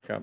ครับ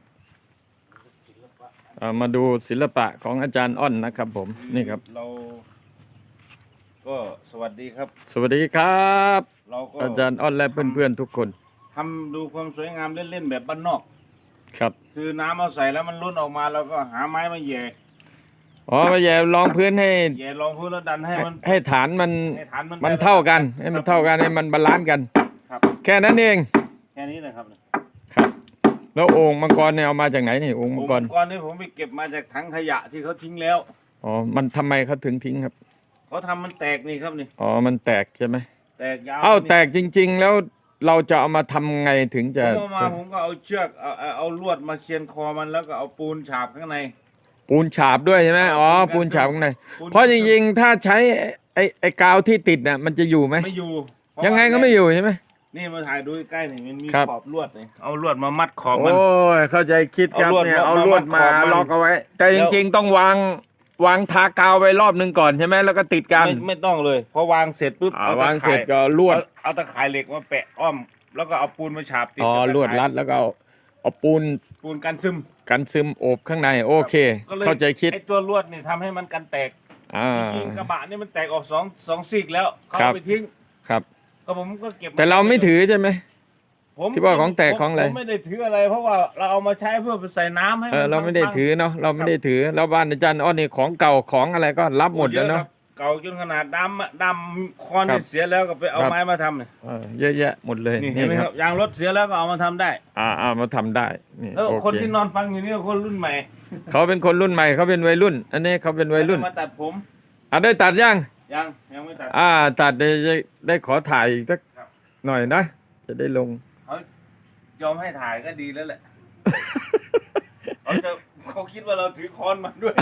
มาดูศิลปะของอาจารย์อ้อนนะครับผมนี่ครับเราก็สวัสดีครับสวัสดีครับเราก็อาจารย์อ้อนและเพื่อนๆทุกคนทำดูความสวยงามเล่นๆแบบบ้านนอกครับคือน้ำเอาใส่แล้วมันล้นออกมาเราก็หาไม้มาแย่มาแย่รองพื้นให้แย่รองพื้นแล้วดันให้มันให้ฐานมันให้ฐานมันมันเท่ากันให้มันเท่ากันให้มันบาลานซ์กันครับแค่นั้นเองแค่นี้นะครับครับแล้วโอ่งมังกรเนี่ยเอามาจากไหนนี่โอ่งมังกรก่อนนี้ผมไปเก็บมาจากถังขยะที่เขาทิ้งแล้วมันทำไมเขาถึงทิ้งครับเขาทำมันแตกนี่ครับนี่มันแตกใช่ไหมแตกยาวแตกจริงๆแล้วเราจะเอามาทำไงถึงจะผมก็เอาเชือกเอาลวดมาเชียนคอมันแล้วก็เอาปูนฉาบข้างในปูนฉาบด้วยใช่ไหมปูนฉาบข้างในเพราะจริงๆถ้าใช้ไอ้กาวที่ติดน่ะมันจะอยู่ไหมไม่อยู่ยังไงก็ไม่อยู่ใช่ไหมนี่มาถ่ายดูใกล้ๆนี่มันมีขอบลวดนี่เอาลวดมามัดขอบมันเข้าใจคิดครับเนี่ยเอาลวดมาล็อกเอาไว้แต่จริงๆต้องวางทากาวไว้รอบนึงก่อนใช่ไหมแล้วก็ติดกันไม่ต้องเลยพอวางเสร็จปุ๊บวางเสร็จก็ลวดเอาตะข่ายเหล็กมาแปะอ้อมแล้วก็เอาปูนมาฉาบติดลวดรัดแล้วก็เอาปูนกันซึมโอบข้างในโอเคเข้าใจคิดไอ้ตัวลวดนี่ทำให้มันกันแตกจริงกระบะนี่มันแตกออกสองซีกแล้วเขาไปทิ้งครับก็ผมก็เก็บแต่เราไม่ถือใช่ไหมที่ว่าของแตกของอะไรผมไม่ได้ถืออะไรเพราะว่าเราเอามาใช้เพื่อใส่น้ำให้เราไม่ได้ถือเนาะเราไม่ได้ถือแล้วบ้านอาจารย์อ้อนี่ของเก่าของอะไรก็รับหมดแล้วเนาะเก่าจนขนาดดำคอนเสียแล้วก็ไปเอาไม้มาทำเนี่ยเยอะแยะหมดเลยนี่ครับยางรถเสียแล้วก็เอามาทำได้มาทำได้นี่แล้วคนที่นอนฟังอยู่นี่คนรุ่นใหม่เขาเป็นคนรุ่นใหม่เขาเป็นวัยรุ่นอันนี้เขาเป็นวัยรุ่นมาตัดผมได้ตัดยังไม่ตัดตัดได้ขอถ่ายสักหน่อยนะจะได้ลงเขายอมให้ถ่ายก็ดีแล้วแหละเขาคิดว่าเราถือค้อนมาด้วย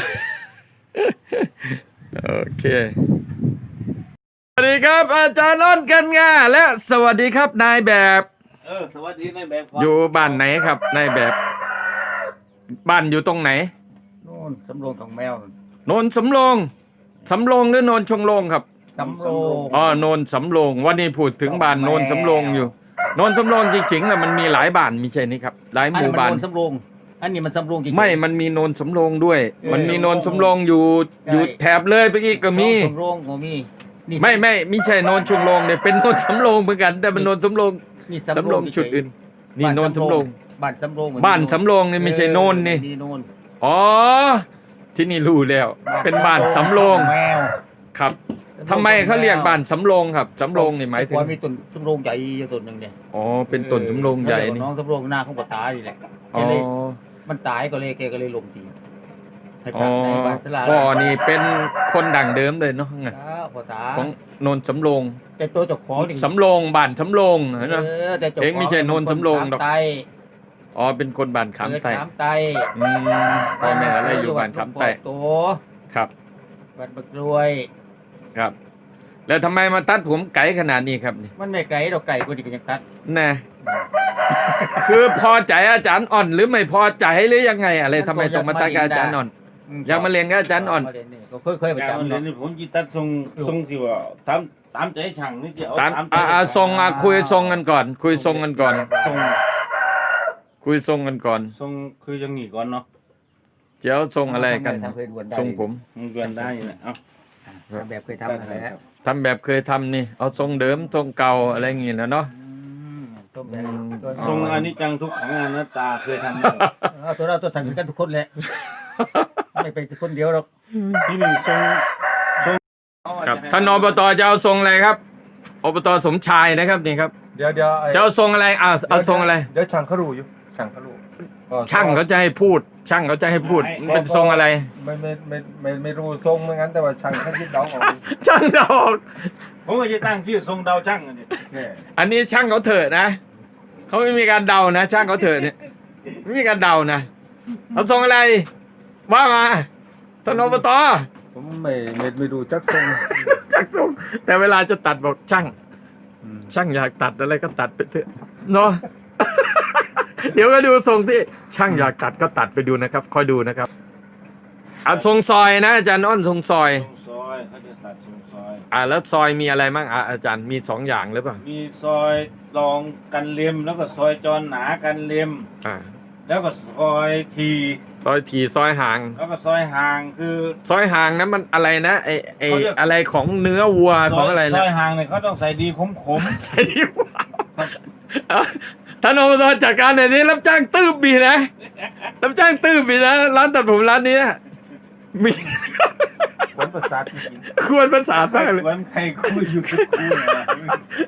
โอเคสวัสดีครับอาจารย์อ้อนกันงาและสวัสดีครับนายแบบสวัสดีนายแบบอยู่บ้านไหนครับนายแบบบ้านอยู่ตรงไหนโน่นสำโรงของแมวโนนสำโรงหรือโนนชงโรงครับสำโรงโนนสำโรงวันนี้พูดถึงบ้านโนนสำโรงอยู่โนนสำโรงจริงๆแล้วมันมีหลายบ้านมีใช่นี่ครับหลายหมู่บ้านโนนสำโรงอันนี้มันสำโรงจริงไม่มันมีโนนสำโรงด้วยมันมีโนนสำโรงอยู่แถบเลยไปอีกก็มีสำโรงก็มีไม่ใช่โนนชงโรงเนี่ยเป็นโนนสำโรงเหมือนกันแต่เป็นโนนสำโรงสำโรงชุดอื่นนี่โนนสำโรงบ้านสำโรงนี่ไม่ใช่โนนนี่ที่นี่รู้แล้วเป็นบ้านสำโรงครับทำไมเขาเรียกบ้านสำโรงครับสำโรงนี่หมายถึงมีต้นสำโรงใหญ่ต้นหนึ่งเนี่ยเป็นต้นสำโรงใหญ่นี่น้องสำโรงหน้าของป้าตานี่แหละมันตายก็เลยลงทีพ่อนี่เป็นคนดั่งเดิมเลยเนาะของโนนสำโรงแต่ตัวเจ้าของสำโรงบ้านสำโรงนะเองไม่ใช่โนนสำโรงดอกเป็นคนบ้านขามไตพ่อแม่อะไรอยู่บ้านขามไตครับบ้านบักรวยครับแล้วทำไมมาตัดผมไก่ขนาดนี้ครับนี่มันไม่ไก่ดอกไก่กูดีกันยังตัดน่คือพอใจอาจารย์อ่อนหรือไม่พอใจหรือยังไงอะไรทำไมต้องมาตัดกับอาจารย์อ่อนอยากมาเรียนกับอาจารย์อ่อนเคยไปจำเลยผมจีตัดทรงที่ว่าตามใจช่างนี่จะเอาทรงคุยทรงกันก่อนคุยทรงกันก่อนคุยทรงกันก่อนทรงคือยังหนีก่อนเนาะเจ้าทรงอะไรกันทรงผมเกินได้อยู่แล้วแบบเคยทำอะไรทำแบบเคยทำนี่เอาทรงเดิมทรงเก่าอะไรอย่างงี้นะเนาะทรงอันนี้จังทุกขังอนัตตาเคยทำตัวทำกันทุกคนแหละไม่เป็นคนเดียวหรอกที่นี่ทรงครับท่านอบตจะเอาทรงอะไรครับอบตสมชายนะครับนี่ครับเดี๋ยวจะเอาทรงอะไรเอาทรงอะไรเดี๋ยวช่างเขารู้อยู่ช่างเขารู้ช่างเขาจะให้พูดช่างเขาจะให้พูดเป็นทรงอะไรไม่รู้ทรงเหมือนกันแต่ว่าช่างเขาคิดเดาออกช่างเดาออกผมก็จะตั้งชื่อทรงเดาช่างอันนี้ช่างเขาเถอะนะเขาไม่มีการเดานะช่างเขาเถอะเนี่ยไม่มีการเดานะเอาทรงอะไรว่ามาท่านอบตผมไม่ดูจักทรงแต่เวลาจะตัดบอกช่างอยากตัดอะไรก็ตัดไปเถอะเนาะเดี๋ยวก็ดูทรงที่ช่างอยากตัดก็ตัดไปดูนะครับคอยดูนะครับเอาทรงซอยนะอาจารย์อ้อนทรงซอยเขาจะตัดทรงซอยแล้วซอยมีอะไรบ้างอาจารย์มี2อย่างหรือเปล่ามีซอยรองกันเล็มแล้วก็ซอยจรหนากันเล็มแล้วก็ซอยทีซอยทีซอยห่างแล้วก็ซอยห่างคือซอยห่างนั้นมันอะไรนะไอเขาเรียกอะไรของเนื้อวัวของอะไรซนะอยห่างเนี่ยเขาต้องใส่ดีขมใส่ดีวัวท่านอบตจัดการหน่อยนี้รับจ้างตื้บบีนะรับจ้างตื้บบีนะร้านตัดผมร้านนี้นะมีผลประสาทจริงควรประสานมากๆเลยเหมือนใครคู่อยู่กับคู่เนี่ย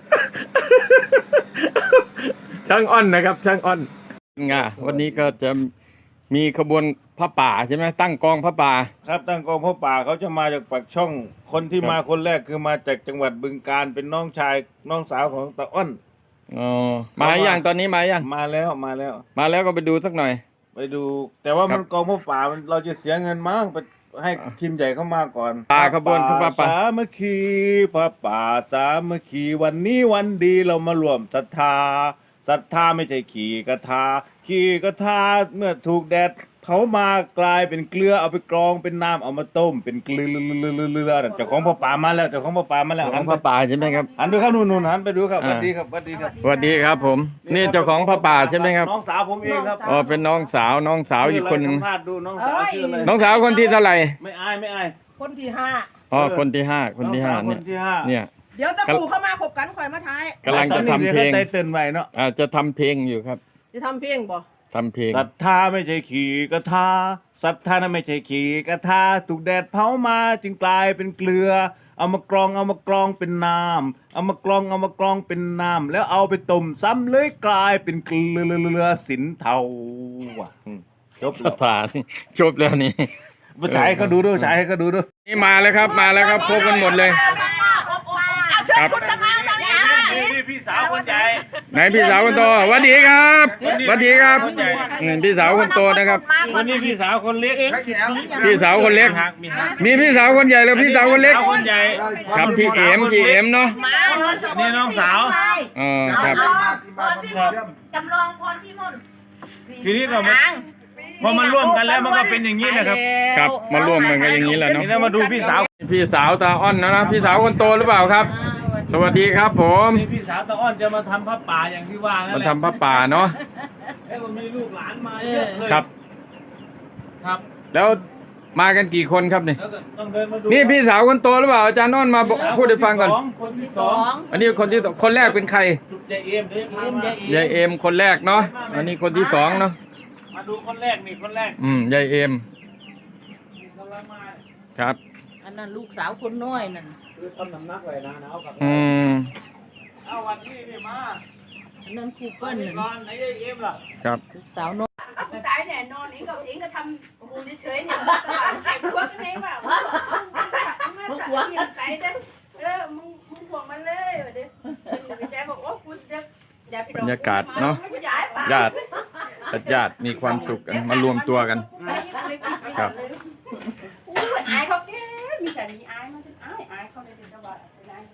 ช่างอ้อนนะครับ ช่างอ้อนงาวันนี้ก็จะมีขบวนพระป่าใช่ไหมตั้งกองพระป่าครับตั้งกองพ่อป่าเขาจะมาจากปากช่อง คนที่มาคนแรกคือมาจากจังหวัดบึงกาฬเป็นน้องชายน้องสาวของตาอ้อนอ๋อมาอย่างตอนนี้มาอย่างมาแล้วมาแล้วมาแล้วก็ไปดูสักหน่อยไปดู แต่ว่าครัมับนกองพ่อป่ามันเราจะเสียเงินมั้งไปให้ทีมใหญ่เข้ามาก่อนป่าขบวนพระป่าสามัคคีพระป่าสามัคคีวันนี้วันดีเรามารวมศรัทธาศรัทธาไม่ใช่ขี่กระทาขี่กระทาเมื่อถูกแดดเผามากลายเป็นเกลือเอาไปกรองเป็นน้ำเอามาต้มเป็นเกลือเจ้าของพ่อป่ามาแล้วเจ้าของพ่อป่ามาแล้วขหัองนพระป่าใช่ไหมครับหันดูครับนู่นหันไปดูครับสวัสดีครับสวัสดีครับสวัสดีครับผม นี่เจ้าของพระป่าใช่ไหมครับน้องสาวผมเองครับอ๋อเป็นน้องสาวอีกคนหนึงสัมภาษณ์ดูน้องสาวชื่ออะไรน้องสาวคนที่เท่าไหร่ไม่อายไม่อายคนที่ห้าอ๋อคนที่ห้าคนที่ห้าน้องสาวคเนี่ยนที่ห้าเนี่ยเดี๋ยวตะกูเข้ามาขบกันข่อยมาท้ายกำลังจะทำเพลงได้เตือนไว้เนาะจะทำเพลงอยู่ครับจะทำเพลงบ่ทำเพลงศรัทธาไม่ใช่ขี่กระทาศรัทธานั้นไม่ใช่ขี่กระทาถูกแดดเผามาจึงกลายเป็นเกลือ เอามากรองเป็นน้ำเอามากรองเป็นน้ำแล้วเอาไปต้มซ้ำเลยกลายเป็นเกลือสินเทาว่ะจบสแล้วถานจบแล้วนี่ไปฉายให้เขาดูด้วยฉายให้เขาดูด้วยนี่มาแล้วครับมาแล้วครับครบกันหมดเลย ครับนี่พี่สาวคนใหญ่ไหนพี่สาวคนโตสวัสดีครับสวัสดีครับพี่สาวคนโตนะครับวันนี้พี่สาวคนเล็กพี่สาวคนเล็ก มีพี่สาวคนใหญ่แล้วพี่สาวคนเล็กสาวคนใหญ่ครับพี่เอ็มเนาะนี่น้องสาวอ๋อครับจำลองพรพี่มนต์ทีนี้ก็มาพอมันร่วมกันแล้วมันก็เป็นอย่างนี้นะครับครับมาร่วมกันกันอย่างนี้แหละเนาะนี่เรามาดูพี่สาวพี่สาวตาอ้อนนะพี่สาวคนโตหรือเปล่าครับ สวัสดีครับผมนี่พี่สาวตาอ้อนจะมาทำผ้าป่าอย่างที่ว่านั่นมาแหละทำพระป่าเนาะแล้วก็มีลูกหลานมาเยอะเลยครับครับแล้วมากันกี่คนครับนี่แล้วก็ต้องเดินมาดูนี่พี่สาวคนโตหรือเปล่าอาจารย์อ้อนมาบอกพูดให้ฟังก่อนคนที่สองอันนี้คนที่คนแรกเป็นใครยายเอ็มเดี๋ยวพามายายเอ็มคนแรกเนาะอันนี้คนที่สองเนาะมาดูคนแรกนี่คนแรกยายเอ็มกำลังมาครับอันนั้นลูกสาวคนน้อยนั่นคือทำน้ำหนักไว้นะเอากับอืมเอาวันนี้นี่มาอันนั้นครูเปิ้ลนี่นั่นก่อนไหนยายเอ็มล่ะครับลูกสาวน้อยกูตายแน่นอนเองก็ทำกูเฉยๆเนี่ยมันตลาดใส่พวกนี้ว่ามึงหัวยังไงเด้อมึงห่วงมันเลยเด้อแจ๊บอกว่ากูจะบรรยากาศเนาะญาติญาติมีความสุขกันมารวมตัวกัน ครับอายเขาแก่มีแต่มีอายมันอายเขาเลยเดี๋ยวจะว่าอาย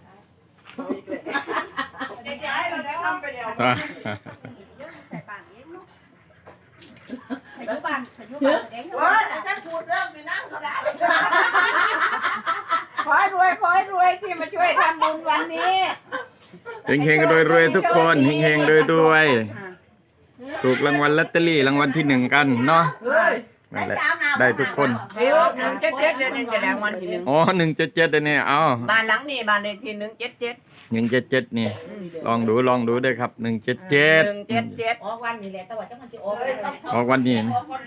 เดี๋ยวเราจะทำไปเดี๋ยวใส่ปากเองเนาะใส่ยุบานเองว่าถ้าพูดเรื่องไปนั่งก็ได้ขอให้รวยที่มาช่วยทำบุญวันนี้เฮงๆรวยๆทุกคนเฮงๆรวยๆถูกรางวัลลอตเตอรี่รางวัลที่1กันเนาะนั่นแหละได้ทุกคนเดี๋ยว177เดือนนี้จะแรงวันที่1 อ๋อ177เนี่ยเอาบ้านหลังนี้บ้านเลขที่177 177นี่ลองดูด้วยครับ177 177 ออกวันนี้แหละแต่ว่าจังมันจะออกออกวันนี้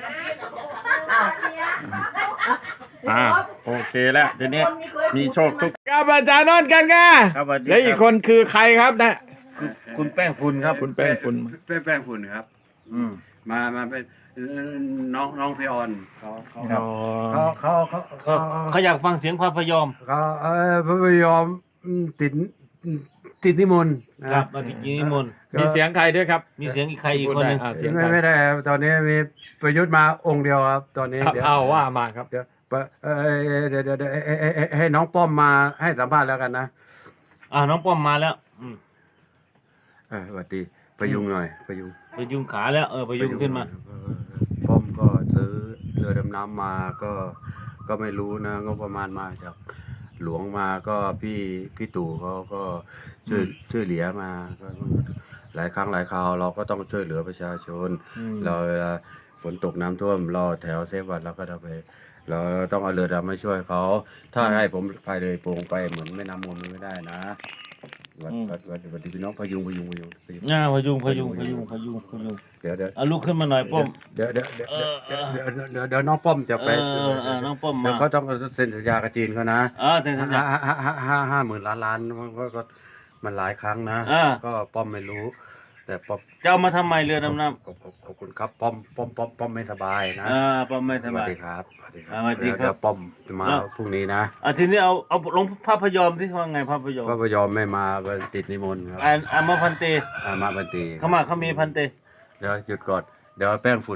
โอเคแล้วทีนี้มีโชคทุกครับอาจารย์นนท์กันค่ะครับสวัสดีและอีกคนคือใครครับนะคุณแป้งฝุ่นครับคุณแป้งฝุ่นแป้งฝุ่นครับ มาเป็นน้องพี่ออนเขาอ๋อเขาอยากฟังเสียงพระพยอมพระพยอมติดนิมนต์นะครับมาที่กินนิมนต์มีเสียงใครด้วยครับมีเสียงอีกใครอีกคนหนึงเสียงใครไม่ได้ครับตอนนี้มีประยุทธ์มาองค์เดียวครับ ตอนนี้ครับเดี๋ยวเอาว่ามาครับเดี๋ยวเดี๋ยวให้น้องป้อมมาให้สัมภาษณ์แล้วกันนะน้องป้อมมาแล้วสวัสดีประยุงหน่อยประยุงไปยุงขาแล้วไปยุงขึ้นมาป้อมก็ซื้อเรือดำน้ำมาก็ไม่รู้นะงบประมาณมาจากหลวงมาก็พี่ตู่เขาก็ช่วยเหลือมาก็หลายครั้งหลายคราวเราก็ต้องช่วยเหลือประชาชนอืมเราเวลาฝนตกน้ำท่วมเราแถวเซฟวันเราก็ต้องไปเราต้องเอาเรือดำมาช่วยเขาถ้าให้ผมพายเลยโป่งไปเหมือนแม่น้ำมูลมันไม่ได้นะวันดีพี่น้องพยุงพยุงเดี๋ยวลุกขึ้นมาหน่อยป้อมเดี๋ยวน้องป้อมจะไปน้องป้อมเดี๋มายวเขาต้องเซ็นสัญญากับจีนเขานะแต่สัญญา 50,000 ล้านก็มันหลายครั้งนะ ก็ป้อมไม่รู้ แต่ป้อมจะเอามาทำไมเรือดำน้ขอบคุณครับป้อมไม่สบายนะำป้อมไม่สสวับาสยดีครับสวัสดีครับสวัสดีครับเดี๋ยวป้อมจะมาพรุ่งนี้นะทีนี้เอาลงภาพยอมที่ว่าไงภาพยอมก็พยอมไม่มาก็ติดนิมนต์ครับมาพันเตมาบันตีเขามีพันเตเดี๋ยวหยุดก่อนเดี๋ยวแป้งฝุ่น